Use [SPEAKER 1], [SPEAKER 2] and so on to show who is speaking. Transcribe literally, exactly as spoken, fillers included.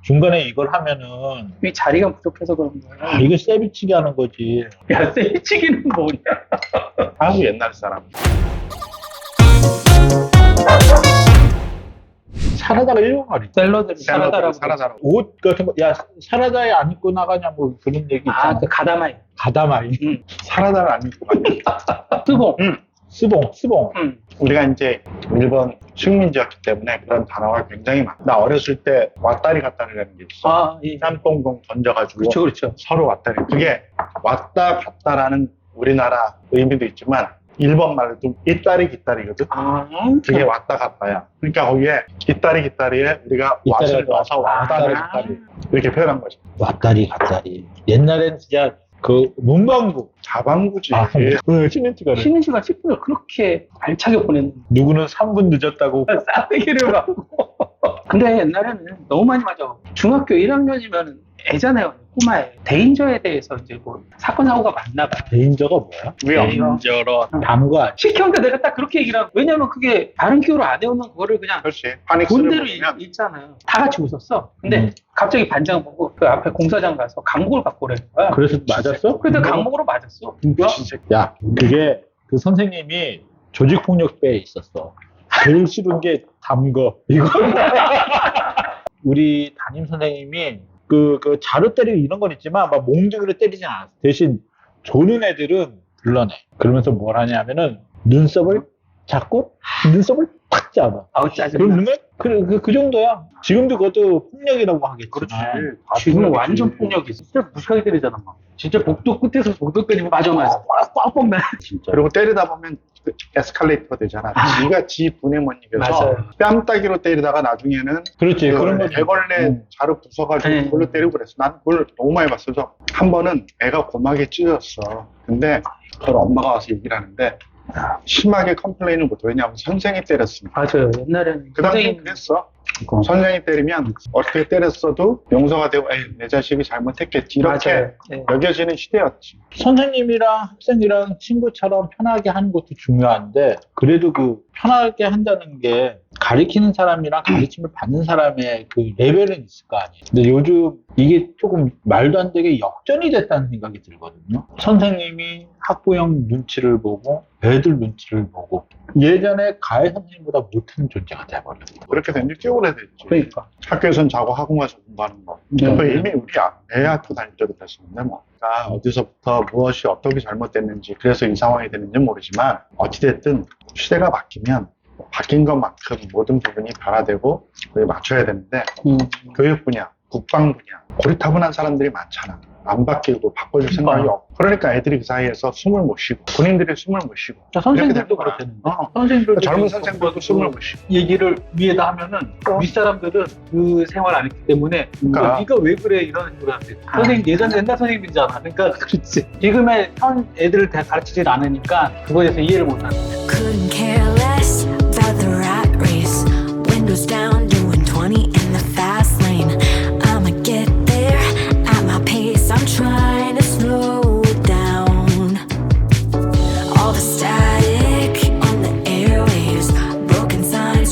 [SPEAKER 1] 중간에 이걸 하면은
[SPEAKER 2] 이 자리가 부족해서 그런 거야.
[SPEAKER 1] 아, 이거 세비치기 하는 거지.
[SPEAKER 2] 야, 세이치기는 뭐냐?
[SPEAKER 3] 아주 옛날 사람.
[SPEAKER 1] 사라다가 일본 말이지.
[SPEAKER 2] 샐러드를 사라다라고.
[SPEAKER 3] 사라다라고.
[SPEAKER 1] 옷 같은 거, 야, 사라다에 안 입고 나가냐, 뭐 그런 얘기 있잖아.
[SPEAKER 2] 아, 그 가다마이.
[SPEAKER 1] 가다마이.
[SPEAKER 2] 응.
[SPEAKER 3] 사라다를 안 입고 갔네.
[SPEAKER 2] 뜨봉.
[SPEAKER 3] 응.
[SPEAKER 1] 스봉, 스봉.
[SPEAKER 2] 응.
[SPEAKER 3] 우리가 이제 일본 식민지였기 때문에 그런 단어가 굉장히 많아. 나 어렸을 때 왔다리 갔다리라는 게 있어.
[SPEAKER 2] 아, 예.
[SPEAKER 3] 짬뽕공 던져가지고
[SPEAKER 2] 그렇죠, 그렇죠.
[SPEAKER 3] 서로 왔다리. 그게 왔다 갔다라는 우리나라 의미도 있지만 일본 말도 이따리 기따리거든.
[SPEAKER 2] 아,
[SPEAKER 3] 그게 왔다 갔다야. 그러니까 거기에 이따리 기따리에 우리가
[SPEAKER 1] 이따리가
[SPEAKER 3] 왓을 넣어서 왔다리
[SPEAKER 2] 아.
[SPEAKER 3] 기따리 이렇게 표현한 거죠.
[SPEAKER 1] 왔다리 갔다리. 옛날엔 진짜 그 문방구.
[SPEAKER 3] 자방구지.
[SPEAKER 1] 아, 그 쉬는 시간에.
[SPEAKER 2] 쉬는 시간 십 분을 그렇게 알차게 보냈는데.
[SPEAKER 1] 누구는 삼 분 늦었다고.
[SPEAKER 2] 싸대기를 받고. 근데 옛날에는 너무 많이 맞아. 중학교 일 학년이면 애잖아요. 꼬마에. 대인저에 대해서 이제 뭐 사건 사고가 많나 봐.
[SPEAKER 1] 데인저가 뭐야?
[SPEAKER 3] 위험저런.
[SPEAKER 1] 담거 아니야?
[SPEAKER 2] 시켰는데 내가 딱 그렇게 얘기를 하고. 왜냐면 그게 다른 기호로 안 외우는 그거를 그냥
[SPEAKER 3] 그렇지. 파닉스를
[SPEAKER 2] 본대로
[SPEAKER 3] 보면
[SPEAKER 2] 읽잖아요. 다 같이 웃었어. 근데
[SPEAKER 1] 음.
[SPEAKER 2] 갑자기 반장 보고 그 앞에 공사장 가서 강목을 갖고 오라는 거야.
[SPEAKER 1] 그래서 맞았어?
[SPEAKER 2] 근데 강목으로 맞았어.
[SPEAKER 3] 뭐야? 진짜
[SPEAKER 1] 야, 그게 그 선생님이 조직폭력배에 있었어. 제일 싫은 게 담거. 이거. 우리 담임 선생님이 그, 그 자루 때리고 이런 건 있지만 막 몽둥이로 때리진 않았어. 대신 조는 애들은 불러내. 그러면서 뭘 하냐면은 눈썹을 잡고 눈썹을 탁 잡아.
[SPEAKER 2] 아우 짜증나.
[SPEAKER 1] 그러면 그, 그, 그 정도야. 지금도 그것도 폭력이라고 하겠지.
[SPEAKER 3] 그렇지.
[SPEAKER 2] 아, 지금은 완전 폭력이지. 진짜 무식하게 때리잖아. 막. 진짜 복도 끝에서 복도 때리면 맞아 맞아. 꽉꽉 나. 진짜.
[SPEAKER 3] 그리고 때리다 보면 그 에스컬레이터가 되잖아. 지가 지 분에 못 이겨서
[SPEAKER 2] 맞아요.
[SPEAKER 3] 뺨따기로 때리다가 나중에는
[SPEAKER 1] 그렇지.
[SPEAKER 3] 그
[SPEAKER 1] 그런 거
[SPEAKER 3] 애벌레
[SPEAKER 1] 음.
[SPEAKER 3] 자루 부숴가지고
[SPEAKER 2] 네.
[SPEAKER 3] 그걸로 때리고 그랬어. 난 그걸 너무 많이 봤어서 한 번은 애가 고막에 찢었어. 근데 그걸 엄마가 와서 얘기를 하는데 심하게 컴플레인을 못해. 왜냐하면 선생이 때렸으니까.
[SPEAKER 2] 맞아요. 옛날에는
[SPEAKER 3] 그 당시에
[SPEAKER 2] 선생님
[SPEAKER 3] 그랬어. 선생이 때리면 어떻게 때렸어도 용서가 되고 에이, 내 자식이 잘못했겠지 이렇게
[SPEAKER 2] 맞아요. 네.
[SPEAKER 3] 여겨지는 시대였지.
[SPEAKER 1] 선생님이랑 학생이랑 친구처럼 편하게 하는 것도 중요한데 그래도 그 편하게 한다는 게 가리키는 사람이랑 가르침을 받는 사람의 그 레벨은 있을 거 아니에요. 근데 요즘 이게 조금 말도 안 되게 역전이 됐다는 생각이 들거든요. 선생님이 학부형 눈치를 보고 애들 눈치를 보고 예전에 가해 선생님보다 못하는 존재가 돼버렸어요.
[SPEAKER 3] 그렇게 된 지 꽤 오래됐지.
[SPEAKER 2] 그러니까.
[SPEAKER 3] 학교에선 자고 학원 가서 공부하는 거.
[SPEAKER 2] 네.
[SPEAKER 3] 그 이미 우리 아- 애 학교 다닐 때도 그랬었는데 뭐. 그러니까 어디서부터 무엇이 어떻게 잘못됐는지 그래서 이 상황이 되는지 모르지만 어찌됐든 시대가 바뀌면 바뀐 것만큼 모든 부분이 변화되고 그에 맞춰야 되는데
[SPEAKER 2] 음.
[SPEAKER 3] 교육 분야, 국방 분야 고리타분한 사람들이 많잖아. 안 바뀌고 바꿔줄 생각이 없고 그러니까 애들이 그 사이에서 숨을 못 쉬고 군인들이 숨을 못 쉬고
[SPEAKER 2] 자, 선생님들도
[SPEAKER 3] 이렇게 되는 거야.
[SPEAKER 2] 그렇다는데.
[SPEAKER 3] 어.
[SPEAKER 2] 선생님들도
[SPEAKER 3] 젊은
[SPEAKER 2] 지금
[SPEAKER 3] 선생들도 숨을 못 쉬고
[SPEAKER 2] 얘기를 위에다 하면은 윗사람들은 그 생활 안 했기 때문에
[SPEAKER 3] 그러니까.
[SPEAKER 2] 네가 왜 그래 이러는 거한테 선생님 예전 옛날 선생님이잖아. 그러니까 그렇지. 지금의 현 애들을 다 가르치질 않으니까 그거에 대해서 이해를 못하는.
[SPEAKER 4] Couldn't care less.